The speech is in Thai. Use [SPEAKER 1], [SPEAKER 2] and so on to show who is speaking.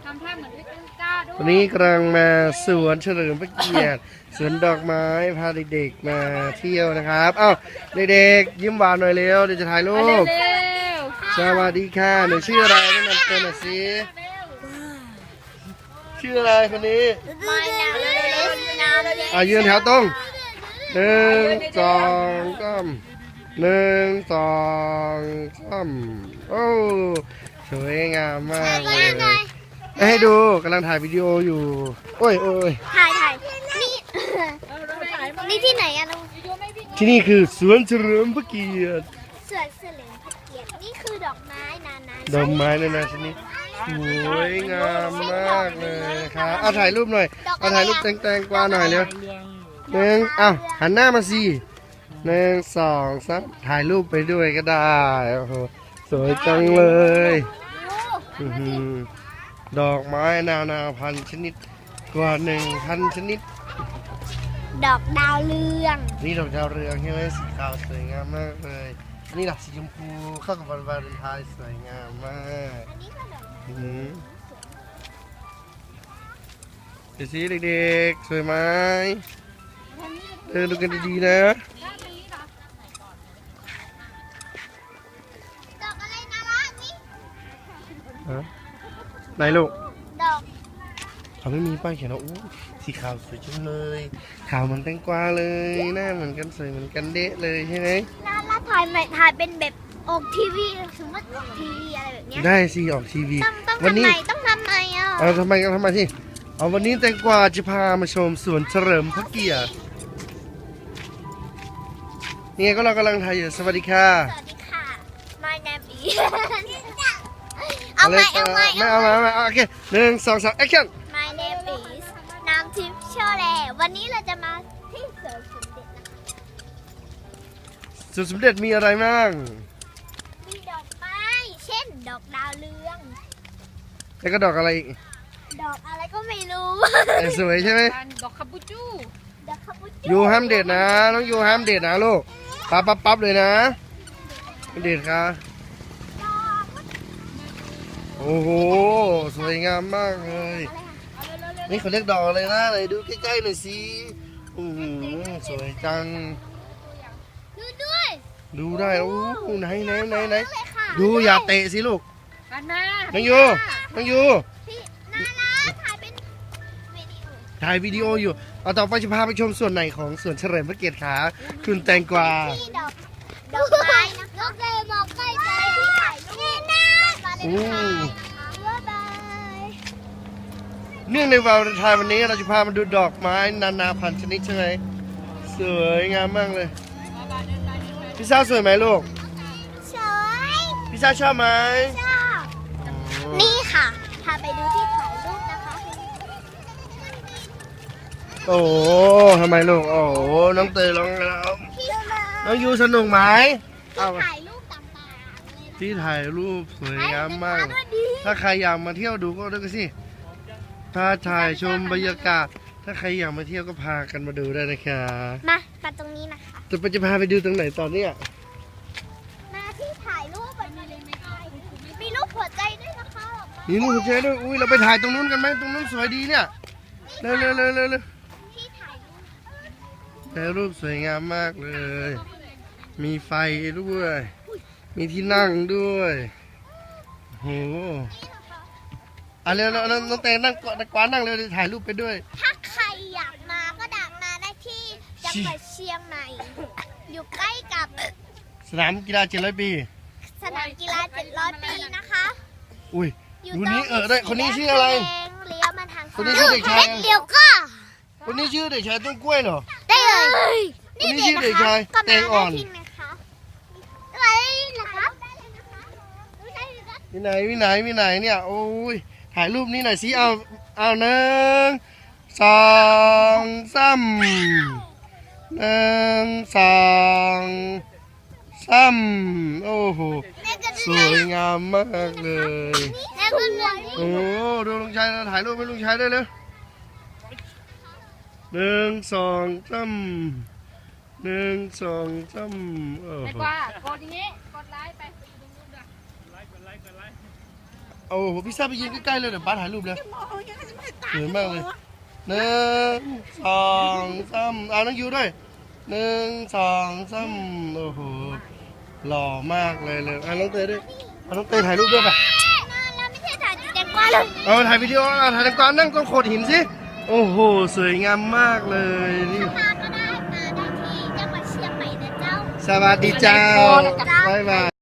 [SPEAKER 1] ทำท่าเหมือนด้วยต้นกล้าด้วย
[SPEAKER 2] วันนี้กำลังมาสวนเฉลิมพระเกียรติสวนดอกไม้พาเด็กๆมาเที่ยวนะครับเอ้าเด็กๆยิ้มหวานหน่อยเร็วเดี๋ยวจะถ่ายรู
[SPEAKER 1] เร็
[SPEAKER 2] ป
[SPEAKER 1] ว
[SPEAKER 2] สวัสดีค่ะหนูชื่ออะไรแนะนำตัวหน่อยสิชื่ออะไรคนนี้
[SPEAKER 3] My name is
[SPEAKER 2] ยืนแถวตรงหนึ่งสองสามหนึ่งสองสามโอ้สวยงามมากเลยให้ดูกำลังถ่ายวิดีโออยู่โอ้ย
[SPEAKER 3] ถ่ายนี่ที่ไหนอะลุง
[SPEAKER 2] ที่นี่คือสวนเฉลิมพระเกียรติ
[SPEAKER 3] สวนเฉลิมพระเกียรตินี่คือดอกไม้นานา
[SPEAKER 2] ดอกไม้นานาชนิดสวยงามมากเลยนะครับเอาถ่ายรูปหน่อยเอาถ่ายรูปแตงกวาหน่อยเร็วหนึ่งหันหน้ามาสิหนึ่งสองสามถ่ายรูปไปด้วยก็ได้โอ้โหสวยจังเลยดอกไม้นานาพันธุ์ชนิดกว่า1,000 ชนิด
[SPEAKER 3] ดอกดาวเรือง
[SPEAKER 2] นี่ดอกดาวเรืองใช่ไหมสีขาวสวยงามมากเลยนี่ดอกสีชมพูเข้ากับวันวาเลนไทน์สวยงามมาก
[SPEAKER 3] อันนี้ก็ดอก
[SPEAKER 2] เดี๋ยวสิเด็กๆสวยไหมเดินดูกันดีๆนะ
[SPEAKER 3] ดอกอะไรน่ารักนี่
[SPEAKER 2] ไหนลูก
[SPEAKER 3] ดอก
[SPEAKER 2] เขาไม่มีป้ายเขียนว่าอู้สีขาวสวยจังเลยขาวเหมือนแตงกวาเลยหน้าเหมือนกันสวยเหมือนกันเดะเลยใช่ไหม
[SPEAKER 3] น่ารักถ่ายเป็นแบบออกทีวีสมมติออกทีวีอะไรแบบเนี้ย
[SPEAKER 2] ได้สิออกทีวี
[SPEAKER 3] ต้อง
[SPEAKER 2] วัน
[SPEAKER 3] ทำ
[SPEAKER 2] นี้
[SPEAKER 3] ไมต้องทำไมอ่ะ
[SPEAKER 2] ทำไมที่วันนี้แตงกวาจะพามาชมสวนเฉลิมพระเกียรตินี่ไงก็เรากำลังถ่ายอยู่สวัสดีค่ะ
[SPEAKER 3] สวัสดีค่ะ My name is เอาใหม่
[SPEAKER 2] ไม่เอาโอเคหนึ่งสองสามแอคชั่น
[SPEAKER 3] My name is น้ำทิพย์โชแลวันนี้เราจะมาที่สวนสมเด็จนะคะ
[SPEAKER 2] สวนสมเด็จมีอะไรบ้าง
[SPEAKER 3] มีดอกไม้เช่น ดอกดาวเรือง
[SPEAKER 2] แล้วก็ดอกอะไรอีก
[SPEAKER 3] ดอกอะไรก็ไม่รู้
[SPEAKER 2] สวยใช่ไหม
[SPEAKER 1] ดอกคาบูจู
[SPEAKER 3] ดอกคาปูชิ
[SPEAKER 2] ยูห้ามเด็ดนะน้องยูห้ามเด็ดนะลูกปั๊บเลยนะไม่เด็ดค่ะโอ้โหสวยงามมากเลย นี่เขาเรียกดอกอะไรนะไหนดูใกล้ๆหน่อยสิสวยจัง
[SPEAKER 3] ดูด้วย
[SPEAKER 2] ดูได้โอ้ไหน
[SPEAKER 3] เลยค่ะ
[SPEAKER 2] ดูอย่าเตะสิลูก
[SPEAKER 1] กันมา
[SPEAKER 2] น้องยู
[SPEAKER 3] พี่น่ารักถ่ายเป็นวิดีโอ
[SPEAKER 2] ถ่ายวิดีโออยู่เอาต่อไปจะพาไปชมส่วนไหนของสวนเฉลิมพระเกียรติขาคุณแตงกวา
[SPEAKER 3] ที่ดอกไม้นะคะดอกเลยมองใกล้ใจที่ถ่ายรูปนะมาเลยนะคะบ๊ายบาย
[SPEAKER 2] เนื่องในวันวาเลนไทน์วันนี้เราจะพามาดูดอกไม้นานาพันธุ์ชนิดใช่ไหมสวยงามมากเลยพี่สาวสวยไหมลูก
[SPEAKER 3] สวย
[SPEAKER 2] พี่สาวชอบไหม
[SPEAKER 3] ชอบนี่ค่ะพาไปดูที่ถ่ายรูปนะคะ
[SPEAKER 2] โอ้โหทำไมลูกโอ้โหน้องเตยร้องแล้ว
[SPEAKER 3] ที่มา
[SPEAKER 2] น้องยูสนุกไหมเอา
[SPEAKER 3] ถ่ายรูปต่างๆเลย
[SPEAKER 2] ที่ถ่ายรูปสวยงามมาก
[SPEAKER 3] ด้วยดี
[SPEAKER 2] ถ้าใครอยากมาเที่ยวดูก็ดูกันสิถ้าถ่ายชมบรรยากาศ ถ้าใครอยากมาเที่ยวก็พากันมาดูได้นะคะ
[SPEAKER 3] มาตรงนี้นะคะ
[SPEAKER 2] จะพาไปดูตรงไหนตอนเนี้ย
[SPEAKER 3] มาที่ถ่ายรูปแบบนี้เลยไหมคะมีรูปหัวใจด้วยนะคะ
[SPEAKER 2] นี่ลูกเจ๊ด้วยอุ้ยเราไปถ่ายตรงนู้นกันไหมตรงนู้นสวยดีเนี่ยเร็ว
[SPEAKER 3] ที่ถ่ายรูป
[SPEAKER 2] ถ่ายรูปสวยงามมากเลย มีไฟด้วย มีที่นั่งด้วยโหเร็วน้องเตงนั่งกวานนั่งเร็วถ่ายรูปไปด้วย
[SPEAKER 3] ถ้าใครอยากมาก็ดักมาได้ที่จังหวัดเชียงใหม่ อยู่ใกล้กับ
[SPEAKER 2] สนามกีฬา700 ปี
[SPEAKER 3] สนามกีฬา700 ปีนะคะ
[SPEAKER 2] อุ้ย
[SPEAKER 3] อยู่
[SPEAKER 2] ดู
[SPEAKER 3] ตรง
[SPEAKER 2] นี้ได้คนนี้ชื่ออะไร
[SPEAKER 3] เลี้ยวมาทาง
[SPEAKER 2] คนนี้ชื่อเด็กชาย
[SPEAKER 3] เลี้ยวก็
[SPEAKER 2] คนนี้ชื่อเด็กชายต้นกล้วยเหรอ
[SPEAKER 3] ได้เลย
[SPEAKER 2] คนนี้ชื่อเด็กชาย
[SPEAKER 3] ก็
[SPEAKER 2] แต
[SPEAKER 3] มาง
[SPEAKER 2] อ่
[SPEAKER 3] ได้
[SPEAKER 2] อน
[SPEAKER 3] ที่นะคะอะไรนะครับ
[SPEAKER 2] วิไหนเนี่ยโอ้ยถ่ายรูปนี้หน่อยสิเอาหนึ่งสองสามหนึ่งสองสามโอ้โหสวยงามมากเลย
[SPEAKER 3] แม่ก็เลย
[SPEAKER 2] โอ้ดูลุงชัยถ่ายรูปให้ลุงชัยได้เลยหนึ่งสองสามโอ้โห
[SPEAKER 1] แตงกวากดอย่างนี้กดไลค์ไปดูนู่นด้วย
[SPEAKER 2] โอ้โหพี่ซ่าไปยืนใกล้ๆเลยเดี๋ยวป้าถ่ายรูปเลยสวยมากเลย1 2 3เอาน้องยูด้วย1 2 3โอ้โหหล่อมากเลยเอาน้องเตยด้วยเอาน้องเตยถ่ายรูปด้วยป่ะ
[SPEAKER 3] เราไม่ใช่ถ่ายแตงกวาเลย
[SPEAKER 2] เอาถ่ายวิดีโอถ่ายตรงกลางนั่งตรงโขดหินสิโอ้โหสวยงามมากเลยนี่
[SPEAKER 3] มาก็ได้มาได้ที่จังหวัดเชียงใหม่นะเจ้า
[SPEAKER 2] สวัสดีเจ้าบ๊ายบาย